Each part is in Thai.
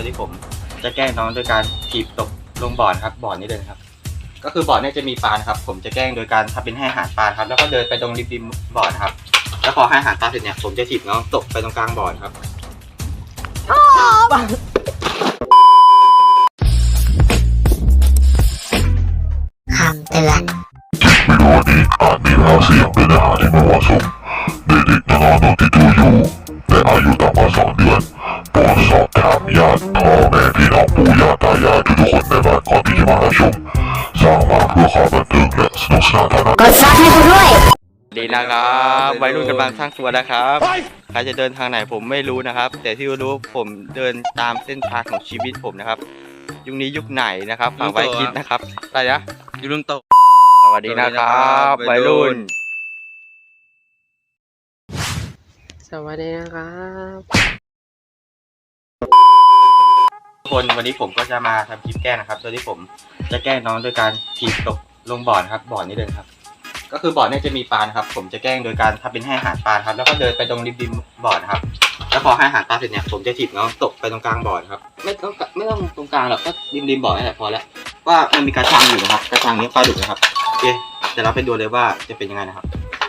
ดที่ผมจะแกล้งน้องโดยการถีบตกลงบ่อนะครับบ่อนี้เลยครับก็คือบ่อนี้จะมีปลาครับผมจะแกล้งโดยการทำเป็นให้อาหารปลาครับแล้วก็เดินไปตรงริมบ่อนะครับแล้วพอให้อาหารปลาเสร็จเนี่ยผมจะถีบน้องตกไปตรงกลางบ่อครับคำเตือนวิดีโอนี้อาจมีภาพเสียงเป็นอาหารที่ไม่เหมาะสมเด็กๆน้องๆที่ดูอยู่และอายุต่ำกว่า2 เดือนโปรดสอบถามญาติพ่อแม่พี่น้องปู่ย่าตายายทุกคนในบ้านก่อนที่จะมารับชมสร้างมาเพื่อความบันเทิงและสนุกสนานเท่านั้นกดซับให้กูด้วยดีนะครับวัยรุ่นกำลังสร้างตัวนะครับใครจะเดินทางไหนผมไม่รู้นะครับแต่ที่รู้ผมเดินตามเส้นทางของชีวิตผมนะครับยุคนี้ยุคไหนนะครับฝากไว้คิดนะครับอะไรนะยุครุ่นโตสวัสดีนะครับวัยรุ่นสวัสดีนะครับทุกคนวันนี้ผมก็จะมาทำคลิปแกล้งนะครับโดยที่ผมจะแกล้งน้องโดยการถีบตกลงบ่อนะครับบ่อนี้เลยครับก็คือบ่อนี้จะมีปลาครับผมจะแกล้งโดยการทำเป็นให้อาหารปลาครับแล้วก็เดินไปตรงริมบ่อนะครับแล้วพอให้อาหารปลาเสร็จเนี่ยผมจะถีบน้องตกไปตรงกลางบ่อครับไม่ต้องตรงกลางหรอกก็ริมบ่อนี่แหละพอแล้วว่ามันมีกระชังอยู่นะครับกระชังนี้ปลาดุกนะครับโอเคเดี๋ยวเราไปดูเลยว่าจะเป็นยังไงนะครับ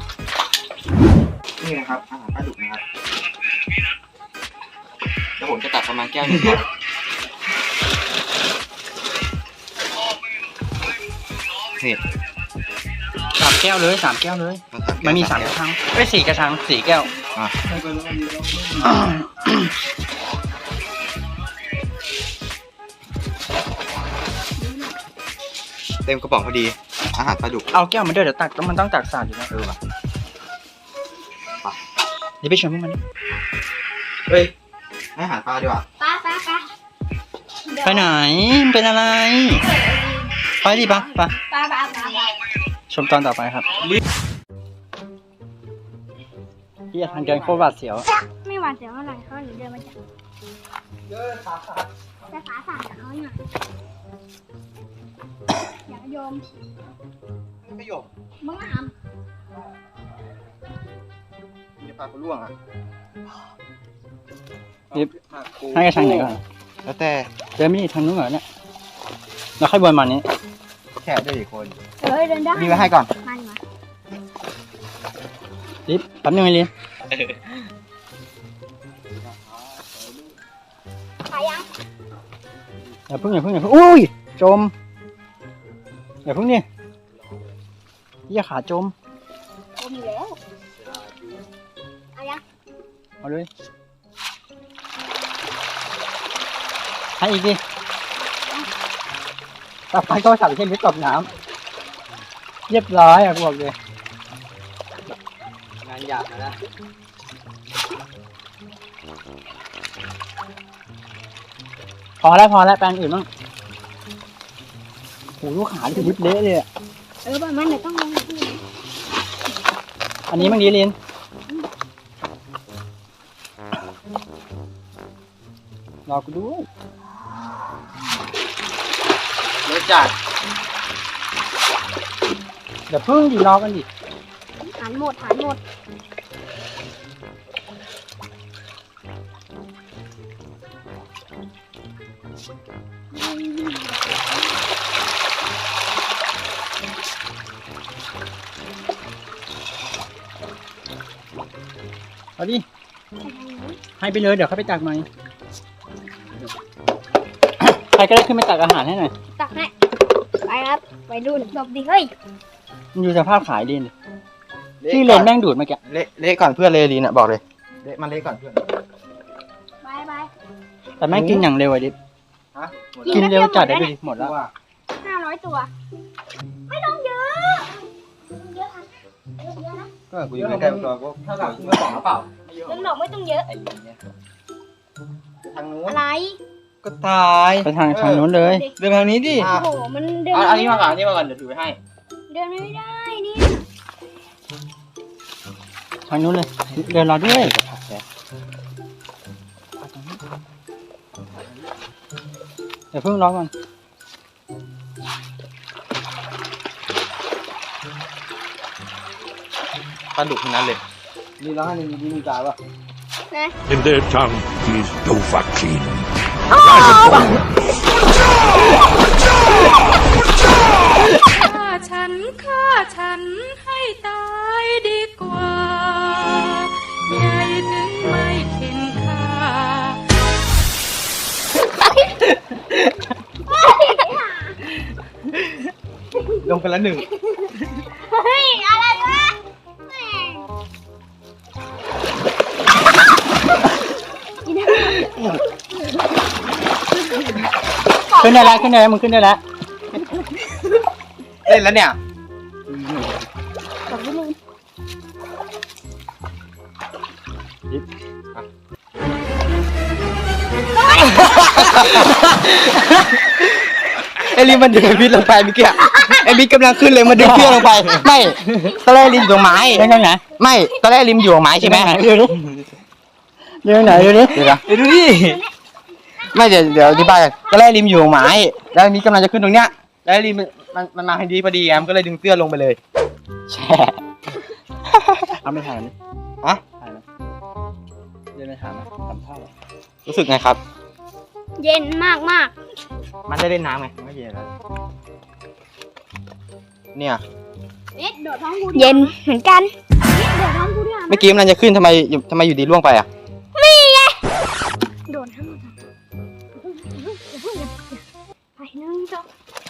นี่นะครับอาหารปลาดุกนะครับแล้วผมจะตักประมาณแก้วนึงก่อนนี่ 3 แก้วเลย3 แก้วเลยมันมี3 กระชังไม่4 กระชัง4 แก้วเต็มกระป๋องพอดีอาหารปลาดุกเอาแก้วมาด้วยเดี๋ยวตักมันต้องตักสาดอยู่นะว่ะเดี๋ยวไปชวนพวกมันเฮ้ยให้อาหารปลาดีกว่าไปไหนเป็นอะไรไปดิปะชมตอนต่อไปครับที่ทางเดินโคตรหวาดเสียวไม่หวาดเสียวเท่าไหร่เขาหนูเดินมาจากจะขาสั่นเขาหน่อยอย่าโยมไม่โยมมึงอ่ะมีปลาล่วงอ่ะนี่ให้กระชังไหนก่อนแล้วแต่เดินไม่ดีทางนู้นเหรอเนี่ยแล้วค่อยวนมานี้แค่ได้กี่คนเดินได้มีไว้ให้ก่อนมาลิฟแป๊บนึงไอ้ลิฟไปยังอย่าพึ่งอุ้ยจมอย่าพึ่งนี่อย่าขาจมมีแล้วเอายังเอาเลยให้อีกดิต่อไปก็สั่งเช่นนี้ตบน้ำเรียบร้อยอ่ะบอกเลยงานหยาบนะพอแล้วแปลงอื่นบ้างโหลูกขาที่ลิบเละเลยอ่ะประมาณเดี๋ยวต้องลงอันนี้มันดีลินรอกูด้วยรสจัดเดี๋ยวพึ่งดิรอกันดิหันหมดเอาดิให้ไปเลยเดี๋ยวเขาไปตักใหม่ใครก็ได้ขึ้นไปตักอาหารให้หน่อยตักให้ไปครับไปดูหลบดิเฮ้ยมันอยู่สภาพขายดินที่เลนแม่งดูดมาแกเละก่อนเพื่อนเลยลีน่ะบอกเลยเละมันเละก่อนเพื่อนไปแต่แม่งกินอย่างเร็วไอ้ดิกินเร็วจัดได้ดิหมดแล้ว 500 ตัวไม่ต้องเยอะนะก็กูอยู่ในแค่ตัวก็เท่ากับกูไม่บอกหรือเปล่าไม่ต้องเยอะทางนู้นอะไรก็ตายไปทางนู้นเลยเดินทางนี้ดิโอ้โหมันเดินอันนี้มาก่อนเดี๋ยวถือให้เดินไม่ได้นี่ทางนู้นเลยเดินรอด้วยเดี๋ยวเพิ่งรอก่อนปลาดุกทั้งนั้นเลยนี่ร้องให้มีจ่ายป่ะนะ In their tongue is Dovahkiin. ฆ่าฉันให้ตายดีกว่าใหญ่ถึงไม่เข็นค่าลงไปละหนึ่งเฮ้ย อะไรวะแม่งขึ้นได้แล้วขึ้นได้แล้วมึงขึ้นได้แล้วเล่นแล้วเนี่ยไอ้ลิมมันดึงพิษลงไปเมื่อกี้ไอ้บิ๊กกำลังขึ้นเลยมาดึงเชือกลงไปไม่ตอนแรกลิมอยู่ตรงไม้ได้ไหนไม่ตอนแรกลิมอยู่ตรงไม้ใช่ไหมดูดิดูไหนดูดิเดี๋ยวดูดิไม่เดี๋ยวอธิบายกันตอนแรกลิมอยู่ตรงไม้แล้วมีกำลังจะขึ้นตรงเนี้ยแล้วลิมมันมาพอดีไงมันก็เลยดึงเสื้อลงไปเลยแช่เอาไม่ถ่ายนี่อะถ่ายนะเดี๋ยวไม่ถ่ายนะทำท่ารู้สึกไงครับเย็นมากมากมันได้เล่นน้ำไงไม่เย็นแล้วเนี่ยเอ็ดโดดท้องกูเย็นเหมือนกันเอ็ดโดดท้องกูด้วยเมื่อกี้มันจะขึ้นทำไมอยู่ดีล่วงไปอ่ะโดดทั้งหมดไปหนึ่งสอง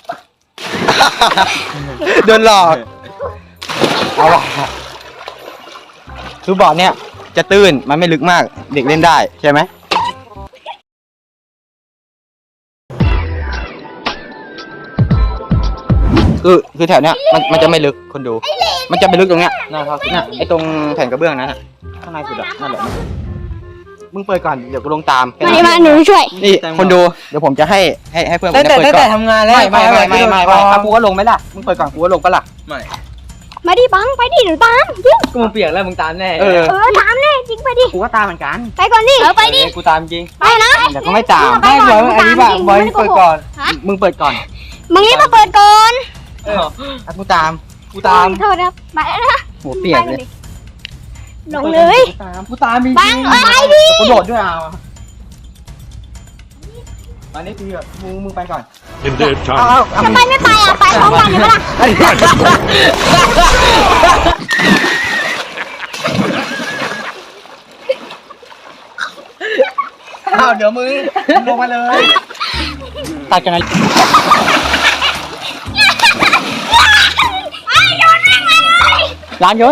โดนหลอกเอาว่ะคือบ่อเนี่ยจะตื้นมันไม่ลึกมากเด็กเล่นได้ใช่ไหมคือแถวเนี้ยมันจะไม่ลึกคนดู มันจะไปลึกตรงเนี้ยน่ะไอ้ตรงแผ่นกระเบื้องนั้นน่ะข้างในสุดอะนั่นแหละมึงเปิดก่อนเดี๋ยวกูลงตามมาหนูช่วยนี่คนดูเดี๋ยวผมจะให้เพื่อนผมเปิดก่อนทำงานแล้วไม่ถ้ากูก็ลงไหมล่ะมึงเปิดก่อนกูก็ลงปะล่ะมาดิบังไปดิหนูตามจริงกูเปียกแล้วมึงตามแน่ตามแน่จริงไปดิกูก็ตามเหมือนกันไปก่อนดิไปดิกูตามจริงไปนะแต่ก็ไม่ตามไม่บอกอันนี้ว่าบอยเปิดก่อนมึงเปิดก่อนมึงรีบมาเปิดก่อนถ้ากูตามโทษครับมาแล้วนะหัวเปียกเลยลงเลยกูตามจริงบังไปดิกูโดดด้วยเอาอันนี้คือมึงไปก่อน In their เอา time. ทำไมไม่ไปอ่ะไปพร้อมกันเลยปะล่ะเอาเดี๋ยวมึงลงมาเลยตัดกันนะไอ้โดนแม่งเลยร้านโยน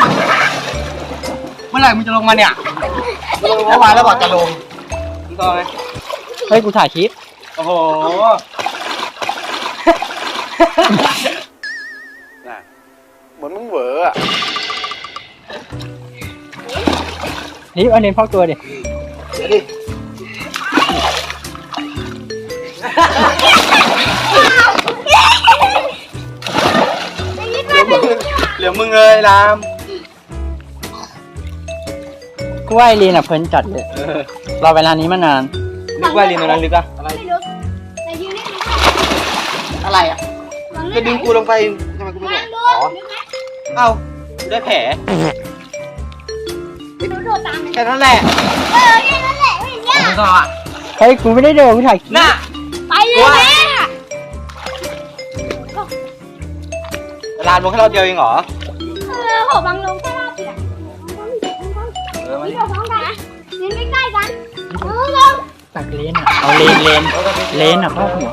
เมื่อไหร่มึงจะลงมาเนี่ยลงเมื่อวานแล้วบอกจะลงมึงต่อไหมเฮ้ยกูถ่ายคลิปโอ้โหเหมือนมึงเหวออ่ะนี่เอาเน้นพอกตัวดิเหลือมึงเลยรามกูว่าไอรีนอ่ะเพลินจัดเลยรอเวลานี้มานานนึกว่าไอรีนตรงนั้นลึกอะอะไรไม่รู้แต่ยืนนี่อะไรอ่ะจะดึงกูลงไปทำไมกูไม่โดดอ๋อเอ้ากูได้แผลหนูโดดตามเลยแค่นั้นแหละแค่นั้นแหละไม่เงี้ยมึงต่ออ่ะเฮ้ยกูไม่ได้โดดกูถ่ายคลิปน่ะไปเลยแม่ลานลงแค่รอบเดียวเองเหรอโหบังลงแค่รอบเดียวนี่เราพร้อมกันยืนใกล้ๆกันลงตักเลนอ่ะเอาเลนอ่ะพ่อหัว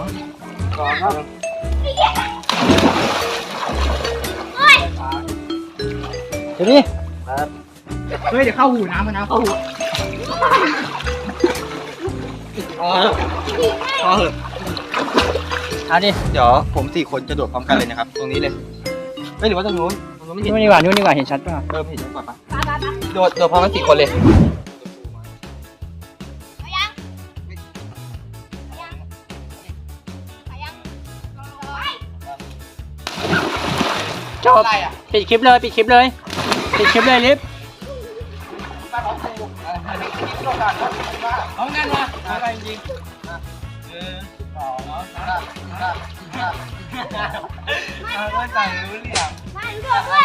เฮ้ยเดี๋ยวดิเฮ้ยเดี๋ยวเข้าหูน้ำมันนะเข้าหูพอเหอะอันนี้เดี๋ยวผม4 คนจะโดดพร้อมกันเลยนะครับ ตรงนี้เลยไม่หรือว่าตรงนู้นไม่เห็นนู่นดีกว่าเห็นชัดป่ะเห็นชัดกว่าปะโดดพร้อมกัน4 คนเลยจบปิดคลิปเลยลิฟเอางั้นวะอะไรจริงเอาก็สั่งรู้เรื่องมาดูด้วย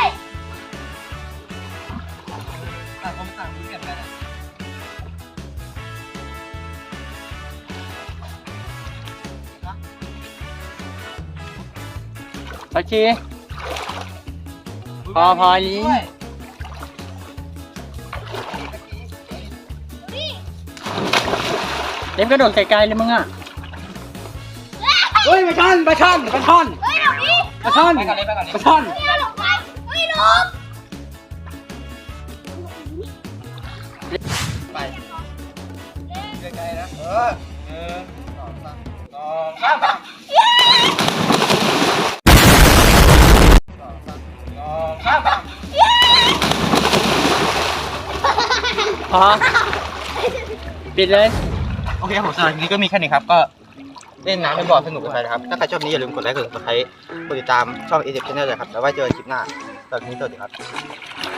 ต่างคนต่างรู้เรื่องกันพอชีพอลิงเล่นกระโดดไกลๆเลยมึงอ่ะเฮ้ยปลาช่อนปลาช่อนปลาช่อนเฮ้ยหลบดิปลาช่อนปลาช่อนเฮ้ยหลบไปเฮ้ยหลบไปไกลๆนะ1 2 3 พอปิดเลยโอเคครับผมสำหรับคลิปนี้ก็มีแค่นี้ครับ ก็เล่นน้ำในบ่อสนุกกันไปนะครับ ถ้าใครชอบนี้อย่าลืมกดไลค์กดซับสไครต์กดติดตามช่อง ATF Channel เลยครับ แล้วไว้เจอกันคลิปหน้าสำหรับวันนี้สวัสดีครับ